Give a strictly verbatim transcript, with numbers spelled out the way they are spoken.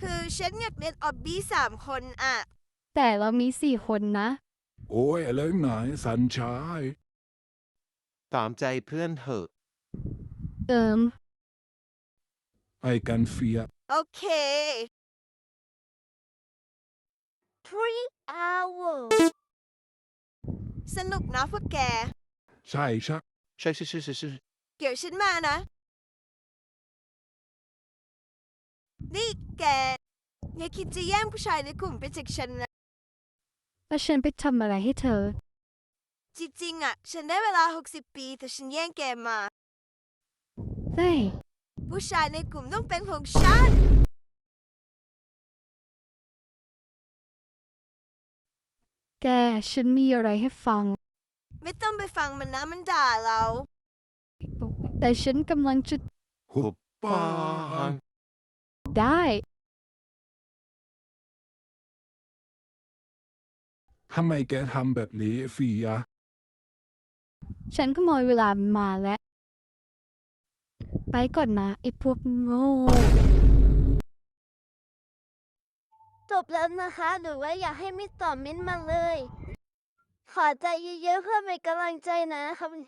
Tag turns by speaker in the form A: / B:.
A: คือฉันอยากเล่นออบบี้สามคนอะ
B: แต่เรามีสี่คนนะ
C: โอ้ยอะไรไหนสัญชาย
D: ตามใจเพื่อนเถอะ
B: เอิม
C: ไอ้กันเฟีย
A: โอเค three hours สนุกนะพวกแก
C: ใช่ชัก
D: ใช่ใช่ใช่ใช่ใช่
A: เดี๋ยวฉันมานะ นี่แก อย่าคิดจะแย่งผู้ชายในกลุ่มไปจากฉันนะ
B: แล้วฉันไปทำอะไรให้เธอ
A: จริงๆอะฉันได้เวลาหกสิบปีแต่ฉันแย่งแกมา
B: เฮ้ย
A: ผู้ชายในกลุ่มต้องเป็นของฉัน
B: แก ฉันมีอะไรให้ฟัง
A: ไม่ต้องไปฟังมันนะมันด่าเรา
B: แต่ฉันกำลังจะ
C: หุบปา
D: ปัง
B: ได้
C: ทำไมแกทำแบบนี้เฟีย
B: ฉันขโมยเวลามาแล้ว ไปก่อนนะไอ้พวกโง่
E: จบแล้วนะคะ หรือว่าอยากให้มิสต่อเม้นต์มาเลย ขอใจเยอะๆเพื่อเป็นกำลังใจนะครับ